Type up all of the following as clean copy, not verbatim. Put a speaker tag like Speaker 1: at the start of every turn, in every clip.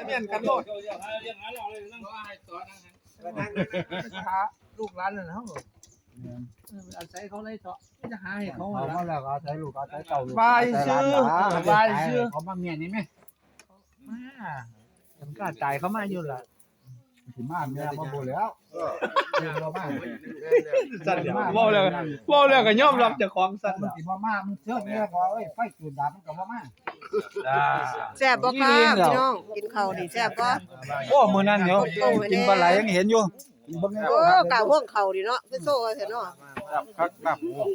Speaker 1: เมียนกันโลดลูกหลานนั่นเฮาอาศัยเขาเลยเถาะจะหาให้เขา
Speaker 2: เอามาแล้วอาศัยลูกอาศัยเต่าลูก
Speaker 1: บายซื้อบายซื้อ
Speaker 2: เขามาเมียนี่ไหม
Speaker 1: มามันก็ตายเขามาอยู่ล่ะ
Speaker 2: สิมาเมียมาบ่แล้วเดี๋ยวมา
Speaker 1: สั่นเว้าแล้วก็ยอมรับเจ้าของสั่น
Speaker 2: มันสิบ่มามันเชิดเมียก็เอ้ยไฟจุดดับมันก็บ่มา
Speaker 3: แซ่บบ่ครับพี่น้องกินข้าวนี่แซ่บบ่
Speaker 1: โอ้มื้อนั้นเดี๋ยวกินปลาไหลยังเห็นอยู่
Speaker 3: โอ้กะห่วงข้าวดิเนาะคือโซ่เถอะเนาะ
Speaker 1: ครับครับ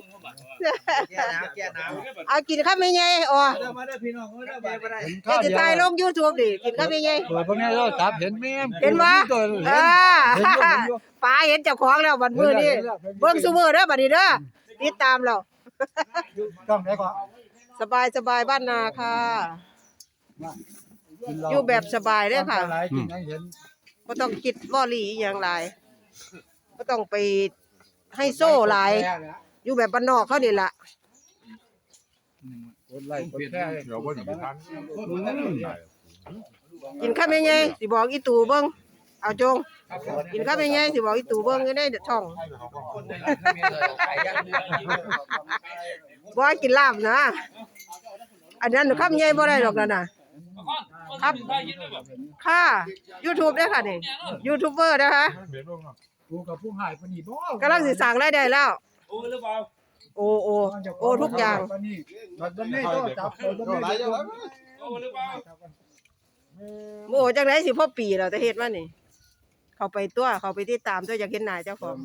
Speaker 3: เอากินข้าวแม่ใหญ่อ๋อ
Speaker 1: มาเด้อพี่น้องเด้อบ่ได้
Speaker 3: เดี๋ยวจะถ่ายลง YouTube ดิกินข้าวแม่ใหญ่
Speaker 1: เปิดพวกนี้เราจับเห็นแม่
Speaker 3: เห็นบ่ป้าเห็นเจ้าของแล้วบัดมื้อนี้เบิ่งซุมื้อเด้อบัดนี้เด้อติดตามแล้ว
Speaker 2: ต้องได้ก่อน
Speaker 3: สบายบ้านนาค่ะ อยู่แบบสบายเด้อค่ะ
Speaker 2: หลายกินให้เห็น
Speaker 3: บ่ต้องคิดวอรี่อีหยังหลายบ่ต้องไปให้โซ่หลายอยู่แบบบ้านนอกเขานี่ล่ะ
Speaker 2: คนไล่คนแค่
Speaker 4: เดี๋ยวบ่สิไปทาน
Speaker 3: กินข้าวแม่ใหญ่สิบอกอีตู่เบิ่งเอาจงกินข้าวแม่ใหญ่สิบอกอีตู่เบิ่งอยู่ในช่องบ่ให้กินลาบนะอันนั้นข้าวแม่ใหญ่บ่ได้ดอกนั่นน่ะครับค่ะ YouTube เด้อค่ะนี่ยูทูบเบอร์นะคะ
Speaker 2: กูกับผู้หายปานนี้บ่
Speaker 3: กำลังสิสร้างรายได้แล้ว โอ้ทุกอย่าง
Speaker 2: ปานนี้มันนี่ก็จับมันนี่
Speaker 3: โอ้จังได๋สิพอปีแล้วแต่เฮ็ดมานี่เข้าไปตัวเข้าไปติดตามตัวอยากเห็นหน้าเจ้าของ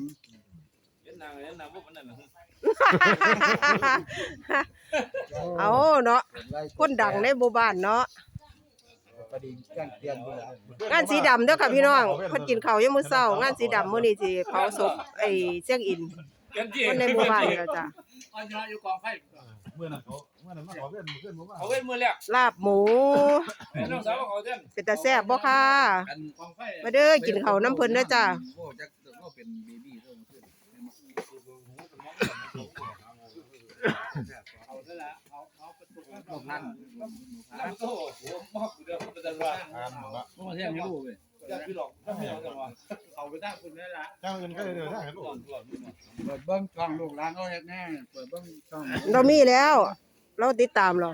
Speaker 3: เอาเนาะคนดังในหมู่บ้านเนาะ
Speaker 2: ประดิษฐ์แกล้งเตียนบ่
Speaker 3: งานสีดำเด้อค่ะพี่น้องเพิ่นกินข้าวยามมื้อเช้างานสีดำมื้อนี้สิเผาศพไอ้เสียงอินคนในหมู่บ้านนี่ล่ะจ้ะ
Speaker 4: เมื่อนั้นมาขอเพื่อนเพื่อนบ่มา
Speaker 5: เขาเว้นมือแล้ว
Speaker 3: ลาบหมู
Speaker 5: น้องสาวเขาเต้น
Speaker 3: เป็นตาแซ่บบ่ค่ะมาเด้อกินข้าวน้ำเพิ่นเด้อจ้ะ
Speaker 5: โอ้จักก็เป็นเบบี้เท่านั้นนั่นแล้วโตหัวมอกเดียวเป็นตลาดมาเที่ยงให้ลูกเว้ยอยากคือหรอกถ้าไม่เอาจังว่าเขาไปตั้งคุณได้ละ
Speaker 4: จ้างเงินก็ได้เด้อถ้าเห็นลูก
Speaker 2: เปิดเบิ่งช่องลูกหลานเขาเฮ็ดแน่เปิดเบิ่งช่อง
Speaker 3: เรามีแล้ว เราติดตามเรา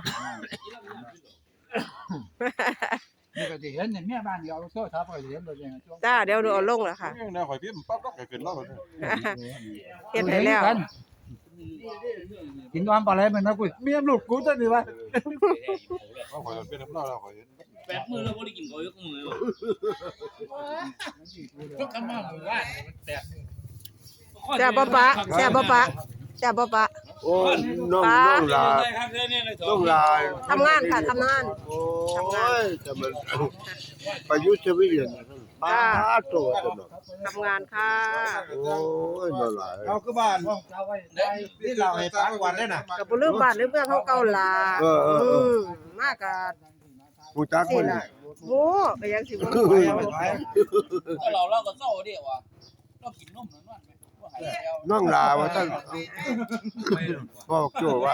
Speaker 2: นี่ก็สิเห็นเนี่ยแม่บ้านเดียวโซ่ทับก็เห็นเลยช่วง
Speaker 3: จ้าเดี๋ยวเอาลงแล้วค่ะ
Speaker 4: แนวข่อยพิมพ์ปั๊บก็ขึ้นแล้ว
Speaker 3: เฮ็ดให้แล้ว
Speaker 2: กินนอนปลาไหลมันนะกูเมียลูกกูตัวนี้วะ
Speaker 4: เขาข่อยเป็นน้ำเล่าแล้วข่อยเห็น
Speaker 5: 8 มื้อแล้วบ่ได้กินข้าวยกมือก็คำว่าหมู่บ้านมันแตก
Speaker 3: แซ่บบ่ปะแซ่บบ่ปะแซ่บบ่ปะ
Speaker 6: โอ้น้องลาน้องลา
Speaker 3: ทำงานค่ะทำงาน
Speaker 6: โอ้ยจะมันประยุทธ์ชีวิตเนี่ยป้าโตสนุก
Speaker 3: ทำงานค่ะ
Speaker 6: โอ้ยนั่นแหละ
Speaker 2: เอาคือบ้านนี่เราให้ฟังวันได้น่ะ
Speaker 3: ก็บ่ลืมบ้านลืมเมืองเฮาเก่าล่ะมากะ
Speaker 6: ผู้จัก
Speaker 3: สิ
Speaker 6: คน
Speaker 3: ล่ะโอ้ก็ยังสิบ่
Speaker 5: เราก็เศร้าเด้ว่าเรากินนมนั่นว่าบ่หายแล้ว
Speaker 6: น้องลาว่าตั้งพ่อโจว่า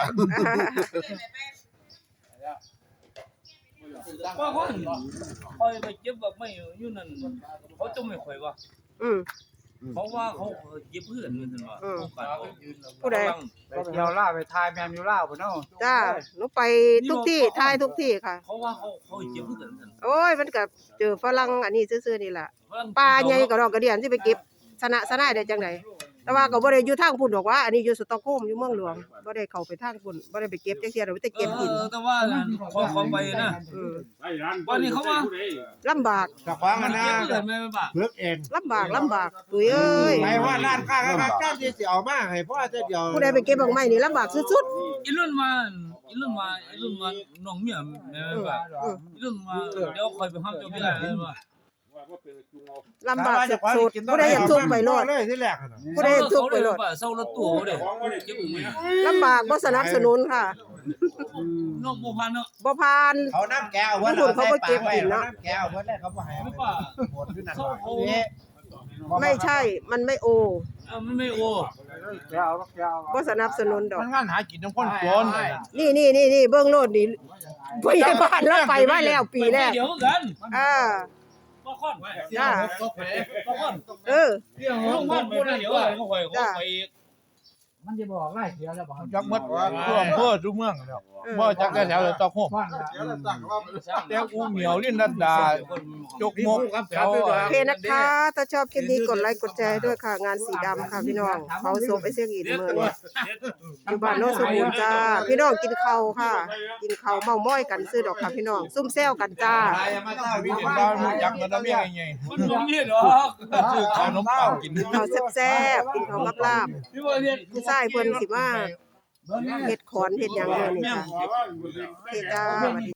Speaker 5: ว่าคนคอยไปเจ็บแบบไม่อยู่นั่นเขาจะไม่ค่อยว่า
Speaker 3: อืม
Speaker 5: เพราะว่าเขาเจ็บเพื่อนเหมือนกันว่า
Speaker 3: ผู้ใด
Speaker 2: ไปเที่ยวล่าไปทายแมมอยู่ล่าพุ่นเนาะ
Speaker 3: จ้าหนูไปทุกที่ทายทุกที่ค่ะ
Speaker 5: เพราะว่าเขาเจ็บเพื่อนกัน
Speaker 3: โอ้ยมันก็เจอฝรั่งอันนี้ซื่อๆนี่ล่ะปลาใหญ่ก็ดอกกระเดียนสิไปเก็บสนะได้จังได๋แต่ว่าก็บ่ได้อยู่ทางพุ่นดอกว่าอันนี้อยู่สตอกโฮล์มอยู่เมืองหลวงบ่ได้เข้าไปทางพุ่นบ่ได้ไปเก็บจังซี่ดอกมีแต่เก็บกิน
Speaker 5: แต่ว่าเขาไปนะวันนี้เขาว่า
Speaker 3: ลำบาก
Speaker 2: จะฟังกันนะ
Speaker 5: เจ็บเพื่อนไม่ป่ะ
Speaker 6: เลือกเอง
Speaker 3: ลำบากตุ้ยเอ้ย
Speaker 2: ไปว่าร้านค้าครับเจ้าที่สิเอามาให้พ่อจะเดียว
Speaker 3: ผู้ใดไปเก็บดอกไม้นี่ลำบากสุด
Speaker 5: อีรุ่นมาน้องเมียไม่ป่ะอีรุ่นมาเดี๋ยวคอยไปห้ามเจ้าพี่ได้ว่า
Speaker 3: ๆลำบากสุดๆผู้ใดอยากทุกข์ไปโลด
Speaker 2: เลยที่แรกน่ะ
Speaker 3: ผู้ใดอยากทุกข์ไปโลด
Speaker 5: เศร้ารถตู้เด้เจ็บมือ
Speaker 3: ลำบากบ่สนับสนุนค่ะ
Speaker 5: น้องบ่พันเนาะ
Speaker 3: บ่ผ่าน
Speaker 2: เขาน้ำแก้วเพิ่น
Speaker 3: เขาบ่เก็บกินเนาะ
Speaker 2: น้ำแก้วเพิ่นได้เขาบ่ให้
Speaker 5: ไม่ป่ะ
Speaker 2: หมดคือนั่น
Speaker 5: เขา
Speaker 2: นี่
Speaker 3: ไม่ใช่ มันไม่โอ
Speaker 5: มันไม่โอ้
Speaker 2: แกเอาแกเอา
Speaker 3: บ่สนับสนุนดอก
Speaker 1: มันงานหากินน้ำคนจน
Speaker 3: นี่เบิ่งโลดนี่ผู้ใหญ่บ้านเราไปมาแล้วปีแรก
Speaker 5: เดี๋ยวกัน
Speaker 3: อ่า
Speaker 5: ก็ค่อน
Speaker 3: จ้า
Speaker 5: ก็ค่อน
Speaker 3: เออ
Speaker 5: เรื่องของมันบ่ได้เดี๋ยวก็ค่อยอีก
Speaker 2: มันจะบอกไล่เสียแล้วบอก
Speaker 1: จักหมดทั่วอำเภอทุกเมืองแล้วบ่จักแต่แถวเลยตอกโฮม
Speaker 2: บ้าน
Speaker 1: แต่กูเหมียวลิ้นดัดดาจกมกแถว
Speaker 3: โอเคนะคะ ถ้าชอบคลิปนี้กดไลค์กดแชร์ด้วยค่ะ งานสีดำค่ะพี่น้องเผาศพไอ้เสียงอีนมื้อนี้อยู่บ้านโนนสมบูรณ์จ้า พี่น้องกินข้าวค่ะ กินข้าวเมาม้อยกันซื้อดอกค่ะพี่น้อง ซุ่มแซวกันจ้า
Speaker 1: วิเห็นบ้านมันจักมันน้ำเมียไง
Speaker 5: มันบ่มีดอก
Speaker 1: ซื้อขนมปังกิน
Speaker 3: ข้าวแซ่บๆกินข้าวกับลาบ
Speaker 5: ที่ว่าเรียน
Speaker 3: ผู้ชายเพิ่นสิมาเฮ็ดขอนเฮ็ดหยังเด้อนี่จ้ะโอเคจ้า